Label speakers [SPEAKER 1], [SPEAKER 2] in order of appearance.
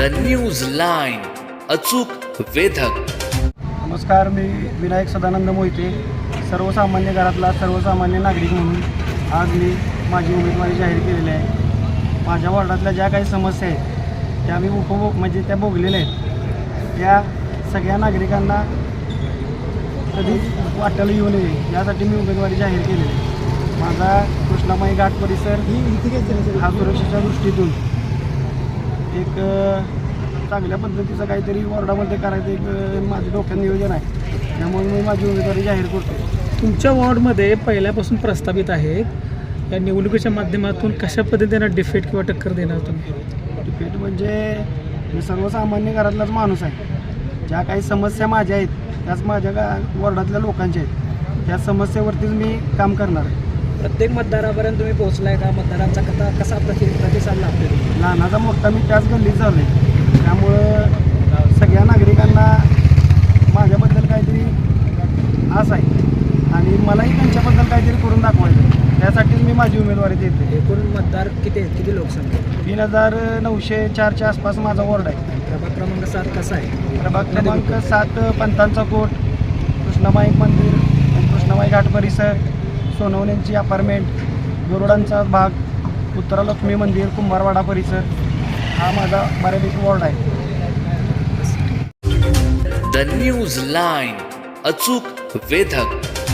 [SPEAKER 1] News line, अचूक वेधक.
[SPEAKER 2] नमस्कार, मी विनायक सदानंद मोहिते, सर्वसामान्य घरातला सर्वसामान्य नागरिक म्हणून आज मी माझी उमेदवारी जाहीर केलेली आहे. माझ्या वॉर्डातल्या ज्या काही समस्या आहेत त्या मी म्हणजे त्या भोगलेल्या आहेत. त्या सगळ्या नागरिकांना कधी वाट्याला येऊ नये यासाठी मी उमेदवारी जाहीर केलेली आहे. माझा कृष्णामाई घाट परिसर हा सुरक्षेच्या दृष्टीतून एक चांगल्या पद्धतीचं काहीतरी वॉर्डामध्ये करायचं एक माझ्या डोक्यात नियोजन आहे. त्यामुळे मी माझी उमेदवारी जाहीर करतो.
[SPEAKER 3] तुमच्या वॉर्डमध्ये पहिल्यापासून प्रस्तावित आहे, या निवडणुकीच्या माध्यमातून कशा पद्धतीने डिफेट किंवा टक्कर देणार तुम्ही?
[SPEAKER 2] डिफेट म्हणजे मी सर्वसामान्य घरातलाच माणूस आहे. ज्या काही समस्या माझ्या आहेत त्याच माझ्या वॉर्डातल्या लोकांच्या आहेत. त्या समस्येवरतीच मी काम करणार आहे.
[SPEAKER 3] प्रत्येक मतदारापर्यंत तुम्ही पोहोचलाय का? मतदारांचा कसा प्रतिसाद लागतो?
[SPEAKER 2] लहानाचा मोठा मी त्याच गल्लीत झालो आहे. त्यामुळं सगळ्या नागरिकांना माझ्याबद्दल काहीतरी आस आहे आणि मलाही त्यांच्याबद्दल काहीतरी करून दाखवायचं. त्यासाठीच मी माझी उमेदवारी देते.
[SPEAKER 3] एकूण मतदार किती लोकसंख्या?
[SPEAKER 2] 3904च्या आसपास माझा वॉर्ड आहे.
[SPEAKER 3] प्रभाग क्रमांक 7 कसा आहे?
[SPEAKER 2] प्रभाग क्रमांक 7 पंतांचा कोट, कृष्णामाई मंदिर, कृष्णामाई घाट परिसर, सोनवण्यांची अपार्टमेंट, गरुडांचा भाग, उत्तरालक्ष्मी मंदिर, कुंभारवाडा परिसर हा माझा बऱ्यापैकी वॉर्ड आहे.
[SPEAKER 1] न्यूज लाईन, अचूक वेधक.